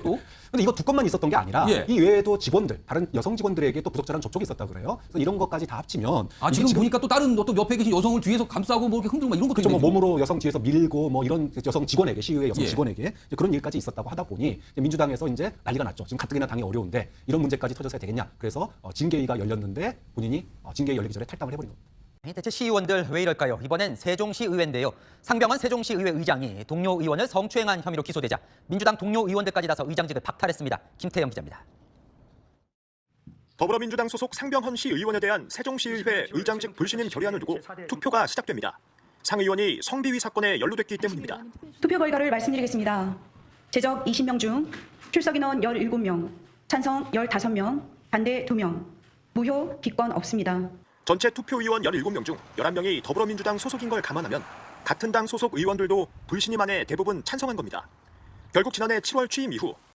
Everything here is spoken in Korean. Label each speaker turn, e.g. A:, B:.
A: 또?
B: 근데 이거 두 건만 있었던 게 아니라
A: 예.
B: 이 외에도 직원들, 다른 여성 직원들에게 또 부적절한 접촉이 있었다 그래요. 그래서 이런 것까지 다 합치면
A: 지금 보니까 또 다른 어떤 옆에 계신 여성을 뒤에서 감싸고 뭐 이렇게 흔들고 막 이런 것도
B: 그렇죠. 뭐
A: 있네요.
B: 몸으로 여성 뒤에서 밀고 뭐 이런 여성 직원에게 시위의 여성
A: 예.
B: 직원에게 이제 그런 일까지 있었다고 하다 보니 이제 민주당에서 이제 난리가 났죠. 지금 가뜩이나 당이 어려운데 이런 문제까지 터져서야 되겠냐. 그래서 징계위가 열렸는데 본인이 징계위 열리기 전에 탈당을 해버린 겁니다.
C: 대체 시의원들 왜 이럴까요? 이번엔 세종시 의회인데요. 상병원 세종시 의회 의장이 동료 의원을 성추행한 혐의로 기소되자 민주당 동료 의원들까지 나서 의장직을 박탈했습니다. 김태영 기자입니다.
D: 더불어민주당 소속 상병헌 시 의원에 대한 세종시의회 의장직 불신임 결의안을 두고 투표가 시작됩니다. 상 의원이 성비위 사건에 연루됐기 때문입니다.
E: 투표 결과를 말씀드리겠습니다. 제적 20명 중 출석 인원 17명, 찬성 15명, 반대 2명, 무효, 기권 없습니다.
D: 전체 투표 의원 17명 중 11명이 더불어민주당 소속인 걸 감안하면 같은 당 소속 의원들도 불신임 안에 대부분 찬성한 겁니다. 결국 지난해 7월 취임 이후